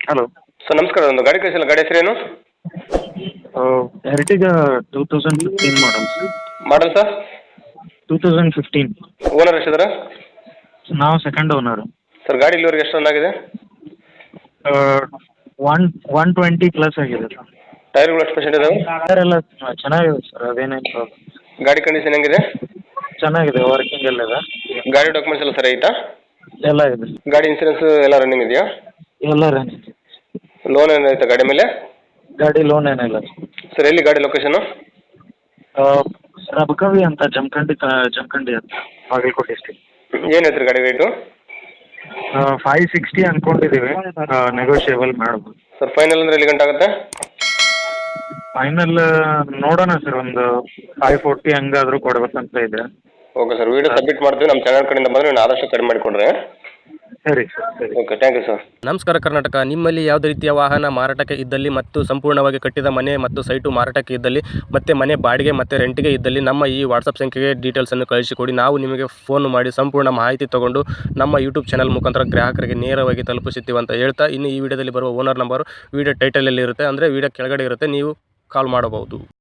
Hello. Sir ನಮಸ್ಕಾರ, ಒಂದು ಗಾಡಿ ಕಳಿಸಿಲ್ಲ, ಗಾಡಿ ಹೆಸರೇನು? Ertiga 2015 model sir. Model sir? 2015. Owner ಎಷ್ಟಿದ್ದಾರೆ? ನಾವು ಸೆಕೆಂಡ್ ಓನರು. ಸರ್ ಗಾಡಿ ಇಲ್ಲಿವರೆಗೆ ಎಷ್ಟು ರನ್ ಆಗಿದೆ? 120 ಪ್ಲಸ್ ಆಗಿದೆ ಸರ್. ಟೈರ್ಗಳು ಎಷ್ಟು ಪರ್ಸೆಂಟ್ ಇದಾವೆ? ಟೈರ್ ಎಲ್ಲ ಚೆನ್ನಾಗಿದೆ ಸರ್, ಅದೇನೇನು ಪ್ರಾಬ್ಲಮ್. ಗಾಡಿ ಕಂಡೀಷನ್ ಹೆಂಗಿದೆ? ಚೆನ್ನಾಗಿದೆ, ವರ್ಕಿಂಗ್ ಎಲ್ಲ ಇದೆ. ಗಾಡಿ ಡಾಕ್ಯುಮೆಂಟ್ಸ್ ಎಲ್ಲ ಸರಿ ಐತಾ? ಎಲ್ಲ ಇದೆ. ಗಾಡಿ ಇನ್ಸೂರೆನ್ಸ್ ಎಲ್ಲ ರನ್ನಿಂಗ್ ಇದೆಯಾ? ಎಲ್ಲ ರನ್ನಿಂಗ್. ಲೋನ್ ಏನಾಯ್ತಾ ಗಾಡಿ ಮೇಲೆ? ಗಾಡಿ ಲೋನ್ ಏನಿಲ್ಲ ಸರ್ ಎಲ್ಲಿ ಗಾಡಿ ಲೊಕೇಶನು? ರಬಕವಿ ಅಂತ ಜಮಖಂಡಿ ಅಂತ, ಬಾಗಲಕೋಟೆ ಡಿಸ್ಟ್ರಿಕ್ಟ್. ಏನು ಹೇಳ್ತೀರಿ ಗಾಡಿ ರೇಟು? 560 ಅಂದ್ಕೊಂಡಿದ್ದೀವಿ, ನೆಗೋಷಿಯೇಬಲ್ ಮಾಡ್ಬೋದು. ಸರ್ ಫೈನಲ್ ಅಂದರೆ ಎಲ್ಲಿ ಗಂಟೆ ಆಗುತ್ತೆ? ಫೈನಲ್ ನೋಡೋಣ ಸರ್, ಒಂದು 540 ಹಂಗಾದರೂ ಕೊಡ್ಬೇಕಂತ ಇದೆ. ಓಕೆ ಸರ್, ವಿಡಿಯೋ ಸಬ್ಮಿಟ್ ಮಾಡ್ತೀವಿ. ನಮ್ಮ ಚಾನಲ್ ಕಡೆಯಿಂದ ಬಂದರೆ ನೀವು ಆದಷ್ಟು ಕಡಿಮೆ ಮಾಡಿಕೊಡ್ರಿ. ಸರಿ ಸರ್, ಸರಿ. Okay, thank you sir. ನಮಸ್ಕಾರ ಕರ್ನಾಟಕ. ನಿಮ್ಮಲ್ಲಿ ಯಾವುದೇ ರೀತಿಯ ವಾಹನ ಮಾರಾಟಕ್ಕೆ ಇದ್ದಲ್ಲಿ ಮತ್ತು ಸಂಪೂರ್ಣವಾಗಿ ಕಟ್ಟಿದ ಮನೆ ಮತ್ತು ಸೈಟು ಮಾರಾಟಕ್ಕೆ ಇದ್ದಲ್ಲಿ ಮತ್ತು ಮನೆ ಬಾಡಿಗೆ ಮತ್ತು ರೆಂಟಿಗೆ ಇದ್ದಲ್ಲಿ ನಮ್ಮ ಈ ವಾಟ್ಸಪ್ ಸಂಖ್ಯೆಗೆ ಡೀಟೇಲ್ಸನ್ನು ಕಳಿಸಿಕೊಡಿ. ನಾವು ನಿಮಗೆ ಫೋನ್ ಮಾಡಿ ಸಂಪೂರ್ಣ ಮಾಹಿತಿ ತಗೊಂಡು ನಮ್ಮ ಯೂಟ್ಯೂಬ್ ಚಾನಲ್ ಮುಖಾಂತರ ಗ್ರಾಹಕರಿಗೆ ನೇರವಾಗಿ ತಲುಪಿಸುತ್ತೀವಿ ಅಂತ ಹೇಳ್ತಾ, ಇನ್ನು ಈ ವಿಡಿಯೋದಲ್ಲಿ ಬರುವ ಓನರ್ ನಂಬರು ವಿಡಿಯೋ ಟೈಟಲಲ್ಲಿ ಇರುತ್ತೆ, ಅಂದರೆ ವಿಡಿಯೋ ಕೆಳಗಡೆ ಇರುತ್ತೆ, ನೀವು ಕಾಲ್ ಮಾಡಬಹುದು.